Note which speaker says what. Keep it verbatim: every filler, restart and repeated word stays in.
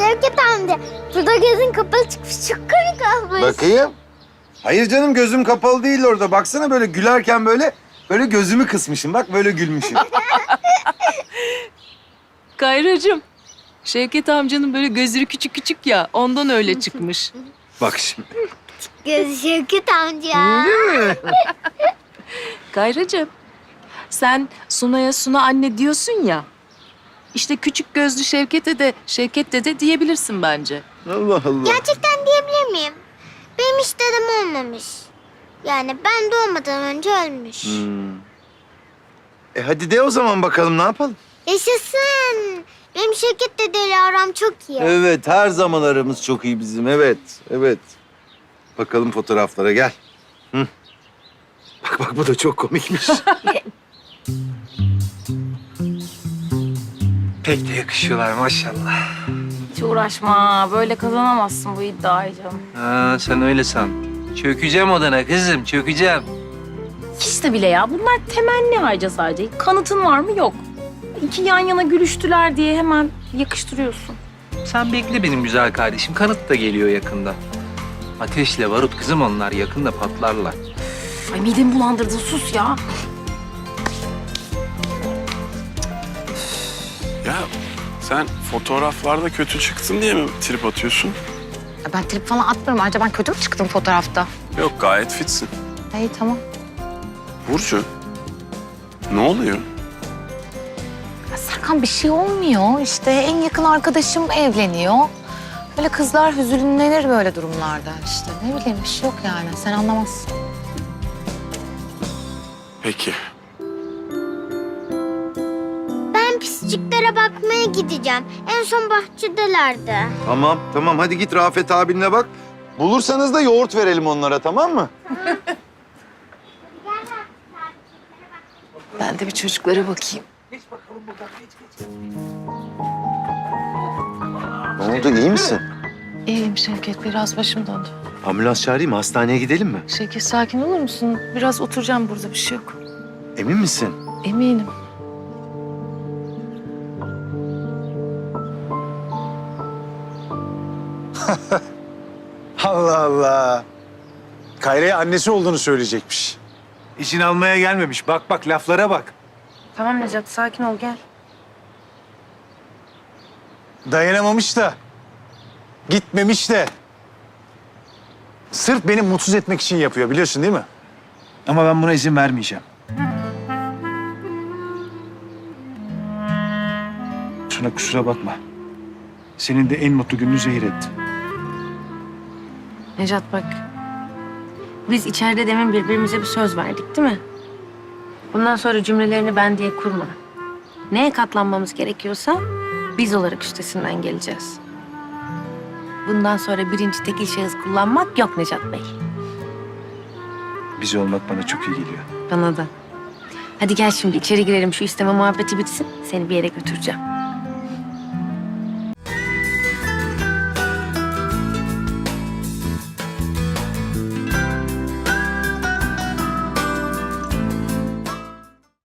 Speaker 1: Şevket amca, burada gözün kapalı çıkmış. Çok komik olmuş.
Speaker 2: Bakayım. Hayır canım, gözüm kapalı değil orada. Baksana, böyle gülerken böyle böyle gözümü kısmışım. Bak böyle gülmüşüm.
Speaker 3: Kayracığım, Şevket amcanın böyle gözleri küçük küçük ya, ondan öyle çıkmış.
Speaker 2: Bak şimdi.
Speaker 1: Gözü Şevket amca.
Speaker 3: Kayracığım, sen Suna'ya Suna anne diyorsun ya. İşte küçük gözlü Şevket'e de Şevket dede diyebilirsin bence.
Speaker 2: Allah Allah.
Speaker 1: Gerçekten diyebilir miyim? Benim hiç dedem olmamış. Yani ben doğmadan önce ölmüş.
Speaker 2: Hmm. E hadi de o zaman bakalım, ne yapalım?
Speaker 1: Yaşasın. Benim Şevket dedeyle aram çok iyi.
Speaker 2: Evet, her zaman aramız çok iyi bizim. Evet, evet. Bakalım fotoğraflara, gel. Hı. Bak bak, bu da çok komikmiş.
Speaker 4: Pek de yakışıyorlar maşallah.
Speaker 5: Hiç uğraşma. Böyle kazanamazsın bu iddiayı canım.
Speaker 4: Ha, sen öyle san. Çökeceğim odana kızım, çökeceğim.
Speaker 5: Hiç de bile ya. Bunlar temenni harca sadece. Kanıtın var mı? Yok. İki yan yana gülüştüler diye hemen yakıştırıyorsun.
Speaker 4: Sen bekle benim güzel kardeşim. Kanıt da geliyor yakında. Ateşle barut kızım, onlar yakında patlarlar.
Speaker 5: Ay midemi bulandırdın. Sus ya.
Speaker 6: Ya sen fotoğraflarda kötü çıktın diye mi trip atıyorsun?
Speaker 7: Ben trip falan atmıyorum. Ayrıca ben kötü mü çıktım fotoğrafta?
Speaker 6: Yok, gayet fitsin.
Speaker 7: İyi tamam.
Speaker 6: Burcu, ne oluyor?
Speaker 7: Ya Serkan, bir şey olmuyor. İşte en yakın arkadaşım evleniyor. Böyle kızlar hüzünlenir böyle durumlarda işte. Ne bileyim, bir şey yok yani. Sen anlamazsın.
Speaker 6: Peki.
Speaker 1: Ben pisciklere bakmaya gideceğim. En son bahçedelerdi.
Speaker 2: Tamam, tamam. Hadi git Rafet abinle bak. Bulursanız da yoğurt verelim onlara, tamam mı?
Speaker 3: Ben de bir çocuklara bakayım.
Speaker 2: Ne oldu, iyi misin?
Speaker 7: İyiyim Şevket. Biraz başım döndü.
Speaker 2: Ambulans çağırayım mı? Hastaneye gidelim mi?
Speaker 7: Şevket, sakin olur musun? Biraz oturacağım burada. Bir şey yok.
Speaker 2: Emin misin?
Speaker 7: Eminim.
Speaker 8: Allah Allah. Kayra'ya annesi olduğunu söyleyecekmiş.
Speaker 2: İçin almaya gelmemiş. Bak bak, laflara bak.
Speaker 7: Tamam Necat, sakin ol, gel.
Speaker 8: Dayanamamış da. Gitmemiş de. Sırf beni mutsuz etmek için yapıyor, biliyorsun değil mi?
Speaker 9: Ama ben buna izin vermeyeceğim. Suna, kusura bakma. Senin de en mutlu gününü zehir ettim.
Speaker 5: Necat bak. Biz içeride demin birbirimize bir söz verdik değil mi? Bundan sonra cümlelerini ben diye kurma. Neye katlanmamız gerekiyorsa biz olarak üstesinden geleceğiz. Bundan sonra birinci tekil şahıs kullanmak yok Necat Bey.
Speaker 9: Bizi olmak bana çok iyi geliyor.
Speaker 5: Bana da. Hadi gel şimdi içeri girelim, şu isteme muhabbeti bitsin. Seni bir yere götüreceğim.